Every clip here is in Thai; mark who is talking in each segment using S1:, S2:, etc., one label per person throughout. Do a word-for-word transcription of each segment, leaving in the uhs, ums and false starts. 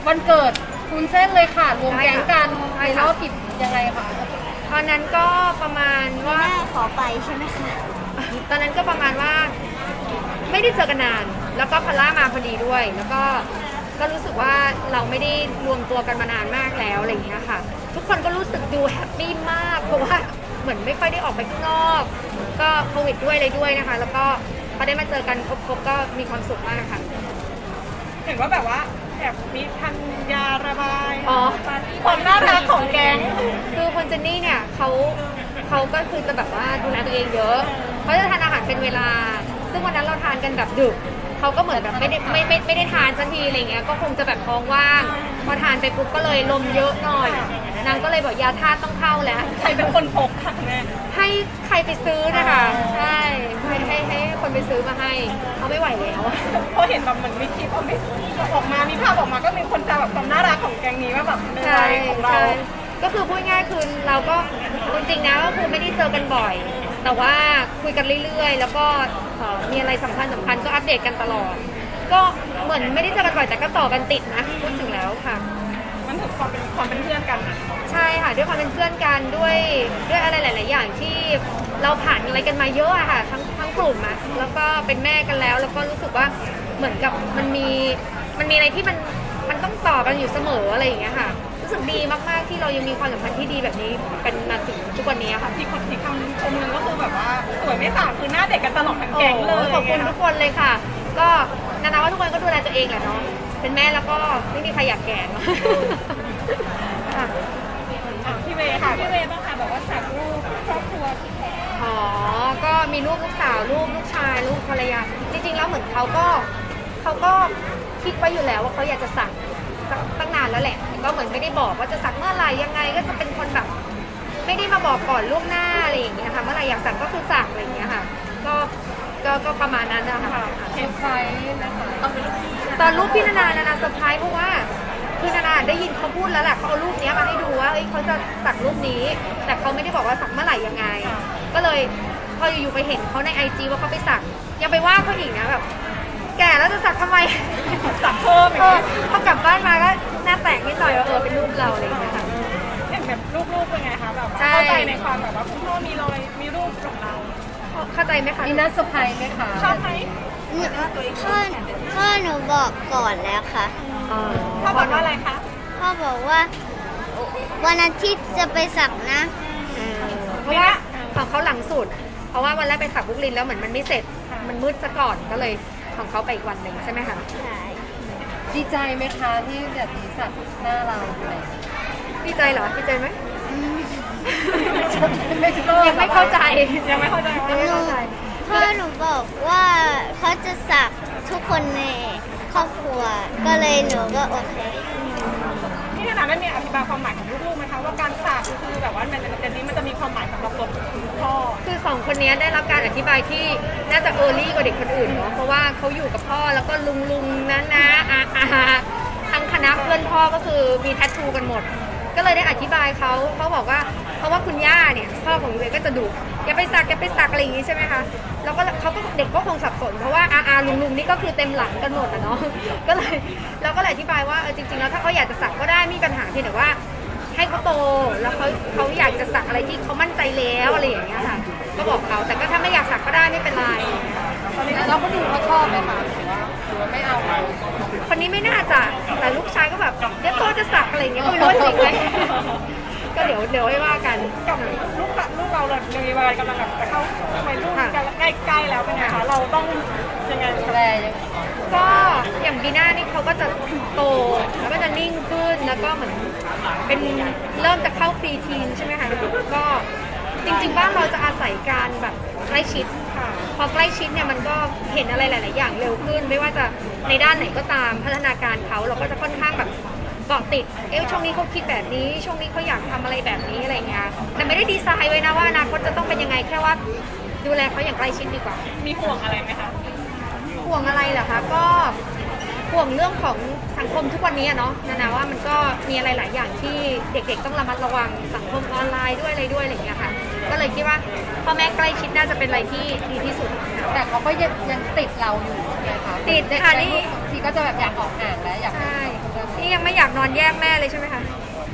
S1: วันเกิดคุณเส้นเลยค่ะรวมแก๊งกันในรอบกี่ยังไงคะ
S2: ตอนนั้นก็ประมาณว่า
S3: ขอไปใช่ไหมคะ
S2: ตอนนั้นก็ประมาณว่าไม่ได้เจอกันนานแล้วก็พอลล่ามาพอดีด้วย แล้วก็ก็รู้สึกว่าเราไม่ได้รวมตัวกันมานานมากแล้วอะไรอย่างเงี้ยค่ะทุกคนก็รู้สึกดูแฮปปี้มากเพราะว่าเหมือนไม่ค่อยได้ออกไปข้างนอกก็โควิดด้วยเลยด้วยนะคะแล้วก็พอได้มาเจอกันครบๆก็มีความสุขมากค่ะ
S4: เห็นว่าแบบว่าแอบมีทันยาระบาย
S2: อ๋อ
S4: ความน่ารักของแก๊ง
S2: คือคนเจนนี่เนี่ยเขาเขาก็คือจะแบบว่าดูแลตัวเองเยอะเขาจะทานอาหารเป็นเวลาซึ่งวันนั้นเราทานกันแบบดึกเขาก็เหมือนแบบไม่ได้ไม่ไม่ไม่ได้ทานสักทีอะไรเงี้ยก็คงจะแบบท้องว่างพอทานไปปุ๊บก็เลยลมเยอะหน่อยนางก็เลยบอกยาธาตุต้องเข้าแล้ว
S4: ใครเป็นคนพกค่ะแม่
S2: ให้ใครไปซื้อนะคะใช่ให้ให้ให้คนไปซื้อมาให้เขาไม่ไหวแล้ว
S4: เพราะเห็นแบบเหมือนมีคลิปออกมามีภาพออกมาก็มีคนจะแบบความน่ารักของแก๊งนี้ว่าแบบในวัยของเรา
S2: ก็คือพูดง่ายคือเราก็จริงๆนะก็คือไม่ได้เจอกันบ่อยแต่ว่าคุยกันเรื่อยๆแล้วก็มีอะไรสำคัญสำคัญก็อัปเดตกันตลอดก็เหมือนไม่ได้เจอกันบ่อยแต่ก็ต่อกันติดนะพูดถึงแล้วค่ะ
S4: มันถึงความเป็นความเป็นเพื่อนกันนะ
S2: ใช่ค่ะด้วยความเป็นเพื่อนกันด้วยด้วยอะไรหลายๆอย่างที่เราผ่านอะไรกันมาเยอะอะค่ะทั้งทั้งกลุ่มอะแล้วก็เป็นแม่กันแล้วแล้วก็รู้สึกว่าเหมือนกับมันมีมันมีอะไรที่มันมันต้องต่อกันอยู่เสมออะไรอย่างเงี้ยค่ะรู้สึกดีมากๆที่เรายังมีความสัมพันธ์ที่ดีแบบนี้เป็นมาถึงทุกวันนี้ค่ะ
S4: ที่คนที่คำชมนึงก็คือแบบว่าสวยไม่สางคือหน้าเด็กกันตลอดทั้งแก๊งเลย
S2: ขอบคุณทุกคนเลยค่ะก็นานาว่าทุกคนก็ดูแลตัวเองแหละเนาะเป็นแม่แล้วก็ไม่มีใครอยากแก่เนาะ
S4: พี่เวค่ะพี่เวบ้างค่ะบอกว่าสักรูปครอบครัวพี่แพร
S2: อ๋อก็มีลูกลูกสาวลูกลูกชายลูกภรรยาจริงๆแล้วเหมือนเขาก็เขาก็คิดไว้อยู่แล้วว่าเขาอยากจะสักตั้งนานแล้วแหละก็เหมือนไม่ได้บอกว่าจะสักเมื่อไหร่ยังไงก็จะเป็นคนแบบไม่ได้มาบอกก่อนล่วงหน้าอะไรอย่างเงี้ยค่ะเมื่อไหร่อยากสักก็คือสักอะไรอย่างเงี้ยค่ะก็ก็ก็ประมาณนั้นนะคะ
S1: เซอร์ไพรส์นะคะ
S2: ตอนรูปพี่นานานานาเซอร์ไพรส์เพราะว่าคือนานาได้ยินเขาพูดแล้วแหละเขาเอารูปนี้มาให้ดูว่าเอ้ยเขาจะสักรูปนี้แต่เขาไม่ได้บอกว่าสักเมื่อไหร่ยังไงก็เลยพออยู่ๆไปเห็นเขาในไอจีว่าเขาไปสักยังไปว่าเขาอีกนะแบบแก่แล้วจะสักทำไม
S4: สักเพิ่ม
S2: เออพอกลับบ้านมาก็หน้าแตกนิดหน่อยว่าเออเป็นรูปเราอะไรอย่างเงี้ยค่ะ
S4: เห็นแบบรูปๆเป็นไงคะแบบเข้าใจในความแบบว่าคุณพ่อมีรอยมีรูปของเรา
S2: เข้าใจไหมคะ
S1: นี่น่าเซอร์ไพรส์ไหมคะ
S4: ชอบไหม
S3: พ่อพ่อหนูบอกก่อนแล้วค่ะ
S4: พ่อบอกว่าอะไรคะ
S3: พ่อบอกว่าวันอาทิตย์จะไปสักนะ
S2: เพราะว่าของเขาหลังสุดเพราะว่าวันแรกไปสักบุกลินแล้วเหมือนมันไม่เสร็จมันมืดซะก่อนก็เลยของเขาไปอีกวันหนึ่งใช่ไหมคะ
S3: ใช่
S1: ดีใจไหมคะที่แบบนี้สักหน้าเรา
S2: ดีใจเหรอดีใจไหม
S1: ยัง
S2: ไม่เข้าใจ
S4: ยังไม่เข้าใจ
S3: ยังไม่เข้าใจพ่อหนูบอกว่าเขาจะสักทุกคนในครอบครัวก็เลยหนูก็โอเค
S4: ที่นานาได้มีอธิบายความหมายของลูกๆไหมคะว่าการสักคือแบบว่าในเจนนี้มันจะมีความหมายสำหรับตัวพ่อ
S2: คือสองคนนี้ได้รับการอธิบายที่น่าจะเออร์ลี่กว่าเด็กคนอื่นเนาะเพราะว่าเขาอยู่กับพ่อแล้วก็ลุงลุงนะนะอาอาทั้งคณะเพื่อนพ่อก็คือมีแทททูกันหมดก็เลยได้อธิบายเขาเขาบอกว่าเพราะว่าคุณย่าเนี่ยพ่อของยูเวก็จะดุอย่าไปสักอย่าไปสักอะไรอย่างงี้ใช่ไหมคะแล้วก็เขาก็เด็กก็คงสับสนเพราะว่าอาอาลุงลุงนี่ก็คือเต็มหลังกันหมดอะเนาะก็เลยเราก็เลยอธิบายว่าเออจริงๆแล้วถ้าเขาอยากจะสักก็ได้ไม่มีปัญหาเพียงแต่ว่าให้เขาโตแล้วเขาเขาอยากจะสักอะไรที่เขามั่นใจแล้วอะไรอย่างเงี้ยค่ะก็บอกเขาแต่ก็ถ้าไม่อยากสักก็ได้ไม่เป็นไร
S1: เราก็ดูเขาชอบไหมคะหรือว่าหรือว่าไม่เอา
S2: คนนี้ไม่น่าจะแต่ลูกชายก็แบบเดี๋ยวโตจะสักอะไรอย่างเงี้ยไม่รู้จริงไหมก็เดี๋ยวเดี๋ยวให้ว่ากัน
S4: กับลูกลูกเราเลยมีวัยกำลังแบบจะเข้าวัยรุ่นใกล้ๆแล้วเป็นไงคะเราต้องยังไง
S1: แปล
S2: ก็อย่างบีน่านี่เขาก็จะโตแล้วก็จะนิ่งขึ้นแล้วก็เหมือนเป็นเริ่มจะเข้าปีทีนใช่ไหมคะก็จริงๆบ้านเราจะอาศัยการแบบใกล้ชิดพอใกล้ชิดเนี่ยมันก็เห็นอะไรหลายๆอย่างเร็วขึ้นไม่ว่าจะในด้านไหนก็ตามพัฒนาการเขาเราก็จะค่อนข้างแบบเกาะติดเอ๊ะช่วงนี้เขาคิดแบบนี้ช่วงนี้เขาอยากทำอะไรแบบนี้อะไรเงี้ยแต่ไม่ได้ดีไซน์ไว้นะว่าอนาคตจะต้องเป็นยังไงแค่ว่าดูแลเขาอย่างใกล้ชิดดีกว่า
S4: มีห่วงอะไรไหมคะ
S2: ห่วงอะไรเหรอคะก็ห่วงเรื่องของสังคมทุกวันนี้เนาะนานาว่ามันก็มีอะไรหลายอย่างที่เด็กๆต้องระมัดระวังสังคมออนไลน์ด้วยอะไรด้วยอะไรอย่างเงี้ยค่ะก็เลยคิดว่าพ่อแม่ใกล้ชิดน่าจะเป็นอะไรที่ดีที่สุด
S1: แต่เขาก็ยังยังติดเราอยู่นะคะ
S2: ติดค่ะนี่
S1: ทีก็จะแบบอยากออกห่างแล้วอยาก
S2: ใช่นี่ยังไม่อยากนอนแยกแม่เลยใช่ไหมคะ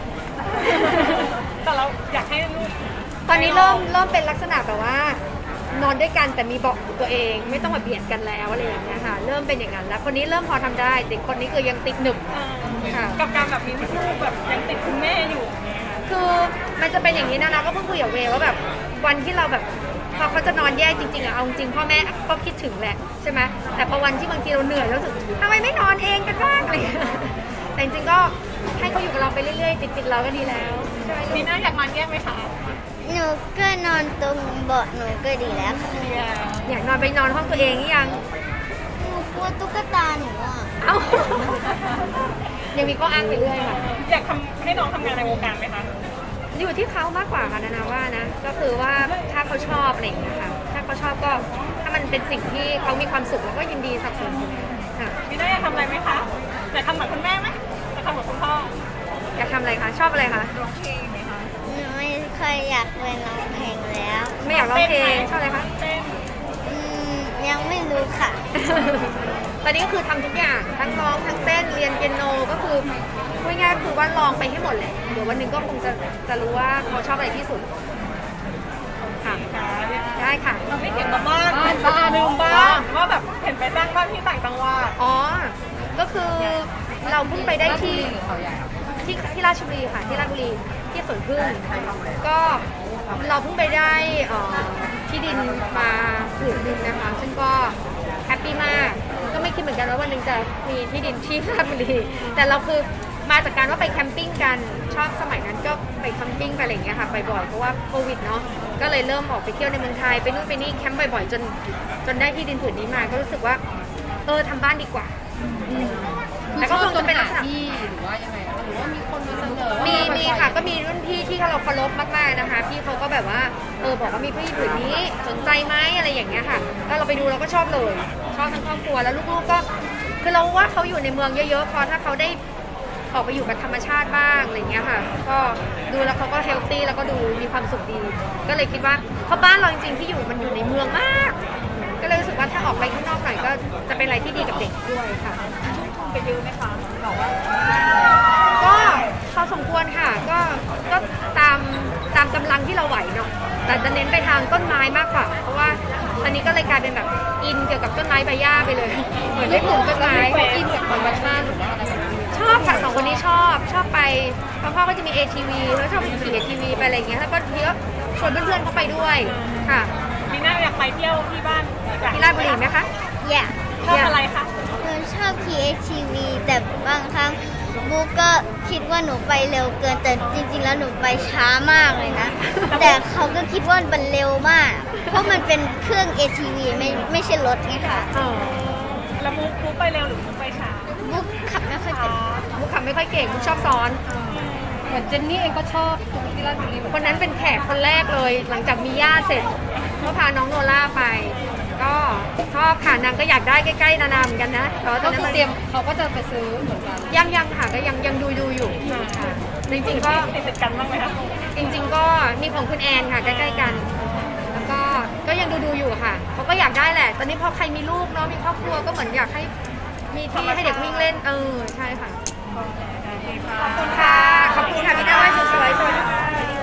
S4: แต่เราอยากให้ลูก
S2: ตอนนี้เริ่มเริ่มเป็นลักษณะแบบว่านอนด้วยกันแต่มีเบาะตัวเองไม่ต้องมาเบียดกันแล้วอะไรอย่างเงี้ยค่ะเริ่มเป็นอย่างนั้นแล้วคนนี้เริ่มพอทำได้แต่คนนี้คือยังติดหนึบ
S4: เอ่อ
S2: ค่ะ
S4: กับการแบบมีลูกแบบยังติดคุณแม่อยู่
S2: คือมันจะเป็นอย่างนี้นะนะก็เพิ่งคุยกับเวย์ว่าแบบวันที่เราแบบพอเขาจะนอนแยกจริงๆอะเอาจริงพ่อแม่ก็คิดถึงแหละใช่ไหมแต่พอวันที่บางทีเราเหนื่อยแล้วรู้สึกทำไมไม่นอนเองกันบ้างอะไรอย่างเงี้ยแต่จริงๆก็ให้เขาอยู่กับเราไปเรื่อยๆติดๆเราก็ดีแล้วใช่ไหม
S4: มี
S2: ลูก
S4: หน้าอยากนอนแยกไหมคะ
S3: หนูก็นอนตรงเบาะหนูก็ดีแล้วค่ะ
S4: เดีย
S2: อยากนอนไปนอนห้องตัวเองหรือยัง
S3: หนูกลัวตุ๊กตาหนูอ่ะ
S2: เอ้า ยังมีข้ออ้างไปเรื่อยค่ะ
S4: อยากทำให้น้องทำงานในวงการไหมคะ
S2: อยู่ที่เขามากกว่าค่ะนานาว่านะก็คือว่าถ้าเขาชอบอะไรอย่างเงี้ยค่ะถ้าเขาชอบก็ถ้ามันเป็นสิ่งที่เขามีความสุขเราก็ยินดีสนับสนุนค่ะ
S4: มีหน้าอยากทำอะไรไหมคะอยากทำเหมือนคุณแม่ไหมอยากทำเหมือนคุณพ่อ
S2: อยากทำอะไรคะชอบอะไรคะ
S4: ร้องเพลงไหมคะ
S3: หนูไม่ค่อยอยากเป็นร้องเพลงแล้ว
S2: ไม่อยากร้องเพลงชอบอะไรคะ
S4: เต้น
S3: อืมยังไม่รู้ค่ะ
S2: ตอนนี้ก็คือทำทุกอย่างทั้งร้องทั้งเต้นเรียนเปียโนก็คือพูดง่ายๆคือว่าลองไปให้หมดแหละเดี๋ยววันหนึ่งก็คงจะจะรู้ว่าเขาชอบอะไรที่สุดค่ะได้ค่ะ
S4: เราไม่เกี่ยวกับบ้านบ้านลืมบ้านว่าแบบเห็นไปสร้างบ้านที่ต่างจังหวัด
S2: อ๋อก็คือเราเพิ่งไปได้ที่ที่ที่ราชบุรีค่ะที่ราชบุรีที่สวนพึ่งก็เราเพิ่งไปได้เอ่อที่ดินมาผืนหนึงนะคะซึ่งก็แฮปปี้มากก็ไม่คิดเหมือนกันว่าวันหนึงจะมีที่ดินที่ราชบุรีแต่เราคือมาจากการว่าไปแคมปิ้งกันชอบสมัยนั้นก็ไปแคมปิ้งไปอะไรอย่างเงี้ยค่ะไปบ่อยเพราะว่าโควิดเนาะก็เลยเริ่มออกไปเที่ยวในเมืองไทยไปนู่นไปนี่แคมป์บ่อยๆจนจนได้ที่ดินผืนนี้มาก็รู้สึกว่าเออทำบ้านดีกว่าอืมแต่ก็คงจะเป็นลักษณะ
S1: ที่หรือว่ายังไงคะหรือว่ามีคนมาเสนอ
S2: มีมีค่ะก็มีรุ่นพี่ที่เราเคารพมากๆนะคะพี่เขาก็แบบว่าเออบอกว่ามีที่ผืนนี้สนใจไหมอะไรอย่างเงี้ยค่ะแล้วเราไปดูเราก็ชอบเลยชอบทั้งครอบครัวแล้วลูกๆก็คือเราว่าเขาอยู่ในเมืองเยอะๆพอถ้าเขาได้ออกไปอยู่กับธรรมชาติบ้างอะไรเงี้ยค่ะก็ดูแล้วเขาก็เฮลตี้แล้วก็ดูมีความสุขดี ก็เลยคิดว่าเพราะบ้านเราจริงๆที่อยู่มันอยู่ในเมืองมาก ก็เลยรู้สึกว่าถ้าออกไปข้างนอกหน่อยก็จะเป็นอะไรที่ดีกับเด็กด้วยค่ะ
S4: ไปยืมไหมคะบอกว่า
S2: ก็พอสมควรค่ะก็ก็ตามตามกำลังที่เราไหวเนาะแต่จะเน้นไปทางต้นไม้มากกว่า เพราะว่าตอนนี้ก็เลยกลายเป็นแบบอินเกี่ยวกับต้นไม้ใบหญ้าไปเลยเหมือนได้ปลูกต้นไม้
S1: อินกับธรรมชาติหรือว่าอะไรแบบนี้
S2: ชอบค่ะสองคนนี้ชอบชอบไปพ่อพ่อก็จะมี เอ ที วี แล้วชอบไปขี่ เอ ที วี ไปอะไรอย่างเงี้ยแล้วก็ทีก็ชวนเพื่อนๆเขาไปด้วยค่ะ
S4: มีหน้าอยากไปเที่ยวที่บ้านอยาก
S2: ที่ราชบุรีไหมคะ
S3: อยาก
S4: ชอบอะไรคะ
S3: หนูชอบขี่ เอ ที วี แต่บางครั้งบุ๊กก็คิดว่าหนูไปเร็วเกิน แต่จริงๆ แล้วหนูไปช้ามากเลยนะ แต่เขาก็คิดว่ามันเร็วมาก เพราะมันเป็นเครื่อง เอ ที วี ไม่ไม่ใช่รถไงค่ะ
S2: อ๋อ
S4: แล้วมุกมุกไปเร็วหรือมุกไปช้า
S3: บุ๊กขับไม่ค่อย
S4: ช้า
S3: เป็น
S2: มุกขับไม่ค่อยเก่งมุกชอบซ้อน
S1: เหมือนเจนนี่เองก็ชอบตรงที่ราชบุรีเหมือน
S2: ค
S1: กัน
S2: นนั้นเป็นแขกคนแรกเลย หลังจากมีย่าเสร็จก็พาน้องโนล่าไป ก็ชอบค่ะนางก็อยากได้ใกล้ๆนานาเหมือนกันนะแต่ว่าต
S1: ก็
S2: อนนั้น
S1: คือ
S2: มัน
S1: เตรียมเขาก็จะไปซื้อเหมือนกัน
S2: ยังยังค่ะก็ยังยังดูดูอยู่ค่ะจริงๆก็
S4: ติดติดกันบ้างไหมคะ
S2: จริง ๆ ก็มีของคุณแอนค่ะใกล้ๆกัน แล้วก็ก็ยังดูดูอยู่ค่ะเขาก็อยากได้แหละ ตอนนี้พอใครมีลูกเนาะมีครอบครัวก็เหมือนอยากให้มีที่ให้เด็กวิ่งเล่นเออใช่ค่ะขอบคุณค่ะขอบคุณค่ะพี่ดาวไว้สวยๆสวัสดีค่ะ